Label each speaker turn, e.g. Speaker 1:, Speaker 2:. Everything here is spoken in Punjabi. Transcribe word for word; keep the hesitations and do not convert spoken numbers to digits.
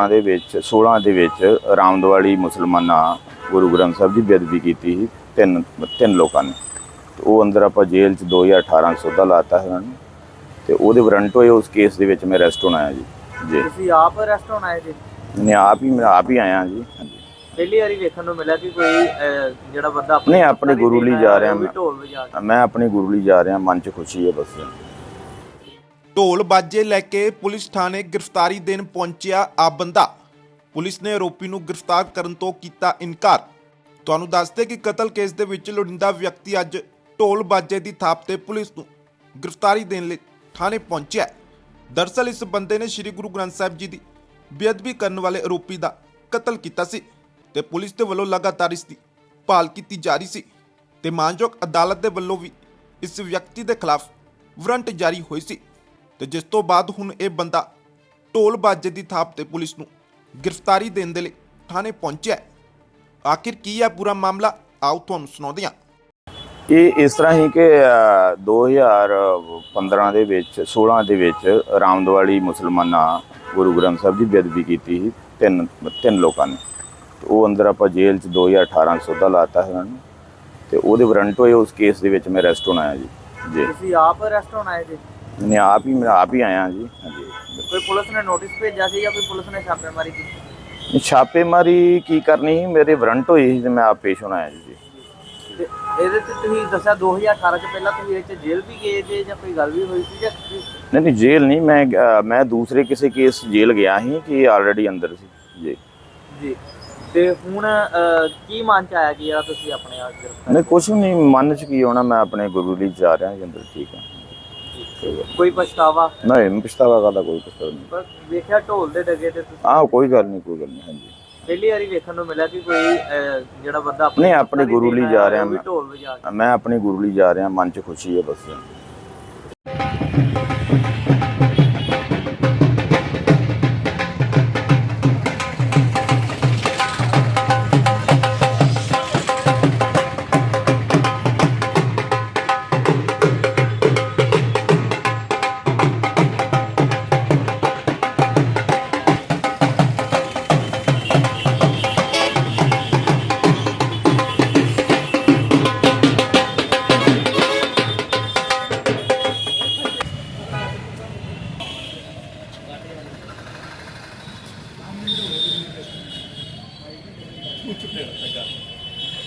Speaker 1: ਪੰਦਰਾਂ ਦੇ ਵਿੱਚ सोलह ਦੇ ਵਿੱਚ ਰਾਮਦਵਾਲੀ ਮੁਸਲਮਾਨਾਂ ਗੁਰੂ ਗ੍ਰੰਥ ਸਾਹਿਬ ਦੀ ਬੇਅਦਬੀ ਕੀਤੀ ਸੀ ਤਿੰਨ ਤਿੰਨ ਲੋਕਾਂ ਨੇ। ਤੇ ਉਹ ਅੰਦਰ ਆਪਾਂ ਜੇਲ੍ਹ 'ਚ ਦੋ ਹਜ਼ਾਰ ਅਠਾਰਾਂ ਸੌਦਾ ਲਾਤਾ ਹੈ ਉਹਨਾਂ ਨੂੰ ਤੇ ਉਹਦੇ ਵਾਰੰਟ ਹੋਏ। ਉਸ ਕੇਸ ਦੇ ਵਿੱਚ ਮੈਂ ਅਰੈਸਟ ਹੋਣਾ ਆਇਆ ਜੀ। ਜੀ
Speaker 2: ਤੁਸੀਂ ਆਪ ਅਰੈਸਟ ਹੋਣਾ ਹੈ ਜੀ?
Speaker 1: ਮੈਂ ਆਪ ਹੀ ਮੈਂ ਆਪ ਹੀ ਆਇਆ ਜੀ। ਹਾਂਜੀ,
Speaker 2: ਪਹਿਲੀ ਵਾਰੀ ਵੇਖਣ ਨੂੰ ਮਿਲਿਆ ਕਿ ਕੋਈ ਅਹ, ਜਿਹੜਾ ਬੰਦਾ
Speaker 1: ਨਹੀਂ ਆਪਣੇ ਗੁਰੂ ਲਈ ਜਾ ਰਿਹਾ ਮੈਂ
Speaker 2: ਢੋਲ ਵਜਾ ਕੇ।
Speaker 1: ਮੈਂ ਆਪਣੇ ਗੁਰੂ ਲਈ ਜਾ ਰਿਹਾ, ਮਨ 'ਚ ਖੁਸ਼ੀ ਹੈ ਬਸ।
Speaker 3: ਢੋਲ ਬਾਜੇ ਲੈ ਕੇ ਪੁਲਿਸ ਥਾਣੇ ਗ੍ਰਿਫਤਾਰੀ ਦੇਣ ਪਹੁੰਚਿਆ ਆ ਬੰਦਾ। ਪੁਲਿਸ ਨੇ ਆਰੋਪੀ ਨੂੰ ਗ੍ਰਿਫਤਾਰ ਕਰਨ ਤੋਂ ਕੀਤਾ ਇਨਕਾਰ। ਤੁਹਾਨੂੰ ਦੱਸਦੇ ਕਿ ਕਤਲ ਕੇਸ ਦੇ ਵਿੱਚ ਲੋੜੀਂਦਾ ਵਿਅਕਤੀ ਅੱਜ ਢੋਲ ਬਾਜੇ ਦੀ ਥਾਪ ਤੇ ਪੁਲਿਸ ਨੂੰ ਗ੍ਰਿਫਤਾਰੀ ਦੇਣ ਲਈ ਥਾਣੇ ਪਹੁੰਚਿਆ। ਦਰਅਸਲ ਇਸ ਬੰਦੇ ਨੇ ਸ੍ਰੀ ਗੁਰੂ ਗ੍ਰੰਥ ਸਾਹਿਬ ਜੀ ਦੀ ਬੇਅਦਬੀ ਕਰਨ ਵਾਲੇ ਆਰੋਪੀ ਦਾ ਕਤਲ ਕੀਤਾ ਸੀ ਤੇ ਪੁਲਿਸ ਦੇ ਵੱਲੋਂ ਲਗਾਤਾਰ ਇਸ ਦੀ ਭਾਲ ਕੀਤੀ ਜਾ ਰਹੀ ਸੀ ਤੇ ਮਾਨਯੋਗ ਅਦਾਲਤ ਦੇ ਵੱਲੋਂ ਵੀ ਇਸ ਵਿਅਕਤੀ ਦੇ ਖਿਲਾਫ ਵਾਰੰਟ ਜਾਰੀ ਹੋਈ ਸੀ ਤੇ ਜਿਸ ਤੋਂ ਬਾਅਦ ਹੁਣ ਇਹ ਬੰਦਾ ਢੋਲ ਬਾਜੇ ਦੀ ਥਾਪ ਤੇ ਪੁਲਿਸ ਨੂੰ ਗ੍ਰਿਫਤਾਰੀ ਦੇਣ ਦੇ ਲਈ ਥਾਣੇ ਪਹੁੰਚਿਆ। ਆਖਿਰ ਕੀ ਹੈ ਪੂਰਾ ਮਾਮਲਾ, ਆਓ ਤੁਹਾਨੂੰ ਸੁਣਾਉਂਦੇ ਹਾਂ।
Speaker 1: ਇਹ ਇਸ ਤਰ੍ਹਾਂ ਹੀ ਕਿ ਅ, ਦੋ ਹਜ਼ਾਰ ਪੰਦਰਾਂ ਦੇ ਵਿੱਚ सोलह ਦੇ ਵਿੱਚ ਰਾਮਦਵਾਲੀ ਮੁਸਲਮਾਨਾਂ ਗੁਰੂ ਗ੍ਰੰਥ ਸਾਹਿਬ ਦੀ ਬੇਅਦਬੀ ਕੀਤੀ ਸੀ ਤਿੰਨ ਤਿੰਨ ਲੋਕਾਂ ਨੇ। ਤੇ ਉਹ ਅੰਦਰ ਆਪਾਂ ਜੇਲ੍ਹ 'ਚ ਦੋ ਹਜ਼ਾਰ ਅਠਾਰਾਂ ਸੌਦਾ ਲਾਤਾ ਹੈ ਉਹਨਾਂ ਨੂੰ ਤੇ ਉਹਦੇ ਵਾਰੰਟ ਹੋਏ। ਉਸ ਕੇਸ ਦੇ ਵਿੱਚ ਮੈਂ ਅਰੈਸਟ ਹੋਣਾ ਆਇਆ ਜੀ। ਜੀ,
Speaker 2: ਤੁਸੀਂ ਆਪ ਅਰੈਸਟ ਹੋਣਾ ਹੈ ਜੀ?
Speaker 1: ਮੈਂ ਆਪ ਹੀ ਮੈਂ ਆਪ ਹੀ ਆਇਆ ਜੀ। ਹਾਂਜੀ,
Speaker 2: ਕੋਈ ਪੁਲਿਸ ਨੇ ਨੋਟਿਸ ਭੇਜਿਆ ਸੀ ਜਾਂ ਕੋਈ ਪੁਲਿਸ ਨੇ ਛਾਪੇਮਾਰੀ ਕੀਤੀ?
Speaker 1: ਛਾਪੇਮਾਰੀ ਕੀ ਕਰਨੀ ਸੀ, ਮੇਰੇ ਵਾਰੰਟ ਹੋਈ ਸੀ ਤੇ ਮੈਂ ਆਪ ਪੇਸ਼ ਹੋਣਾ ਆਇਆ ਜੀ।
Speaker 2: ਤੇ ਇਹਦੇ ਤੇ ਤੁਸੀਂ ਦੱਸਿਆ ਦੋ ਹਜ਼ਾਰ ਅਠਾਰਾਂ ਚ ਪਹਿਲਾਂ ਤੁਸੀਂ ਇਹ ਚ ਜੇਲ੍ਹ ਵੀ ਗਏ ਜੇ ਜਾਂ ਕੋਈ ਗੱਲ ਵੀ ਹੋਈ ਸੀ ਜਾਂ ਤੁਸੀਂ?
Speaker 1: ਨਹੀਂ ਨਹੀਂ ਜੇਲ੍ਹ ਨਹੀਂ, ਮੈਂ ਅ, ਮੈਂ ਦੂਸਰੇ ਕਿਸੇ ਕੇਸ ਜੇਲ੍ਹ ਗਿਆ ਸੀ ਕਿ ਆਲਰੇਡੀ ਅੰਦਰ ਸੀ ਜੀ।
Speaker 2: ਜੀ, ਤੇ ਹੁਣ ਅਹ, ਕੀ ਮਨ ਚ ਆਇਆ ਕਿ ਯਾਰ ਤੁਸੀਂ ਆਪਣੇ ਆਪ ਗ੍ਰਿਫਤਾਰ?
Speaker 1: ਨਹੀਂ ਕੁਛ ਵੀ ਨਹੀਂ, ਮਨ 'ਚ ਕੀ ਹੋਣਾ, ਮੈਂ ਆਪਣੇ ਗੁਰੂ ਲਈ ਜਾ ਰਿਹਾ ਜੀ ਅੰਦਰ। ਠੀਕ ਹੈ,
Speaker 2: ਕੋਈ ਪਛਤਾਵਾ?
Speaker 1: ਨਹੀਂ ਪਛਤਾਵਾ ਕਰਦਾ, ਕੋਈ ਪਛਤਾਵਾ ਨਹੀਂ।
Speaker 2: ਪਰ ਵੇਖਿਆ ਢੋਲ ਦੇ ਡਗੇ ਤੇ ਤੁਸੀਂ
Speaker 1: ਆਹ ਕੋਈ ਗੱਲ ਨਹੀਂ, ਕੋਈ ਗੱਲ ਨਹੀਂ। ਹਾਂਜੀ,
Speaker 2: ਪਹਿਲੀ ਵਾਰੀ ਵੇਖਣ ਨੂੰ ਮਿਲਿਆ ਕਿ ਕੋਈ ਅਹ, ਜਿਹੜਾ ਬੰਦਾ
Speaker 1: ਨਹੀਂ ਆਪਣੇ ਗੁਰੂ ਲਈ ਜਾ ਰਿਹਾ ਮੈਂ
Speaker 2: ਢੋਲ ਵਜਾ ਕੇ।
Speaker 1: ਮੈਂ ਆਪਣੇ ਗੁਰੂ ਲਈ ਜਾ ਰਿਹਾ, ਮਨ 'ਚ ਖੁਸ਼ੀ ਹੈ ਬਸ।
Speaker 4: Mucho peor, acá.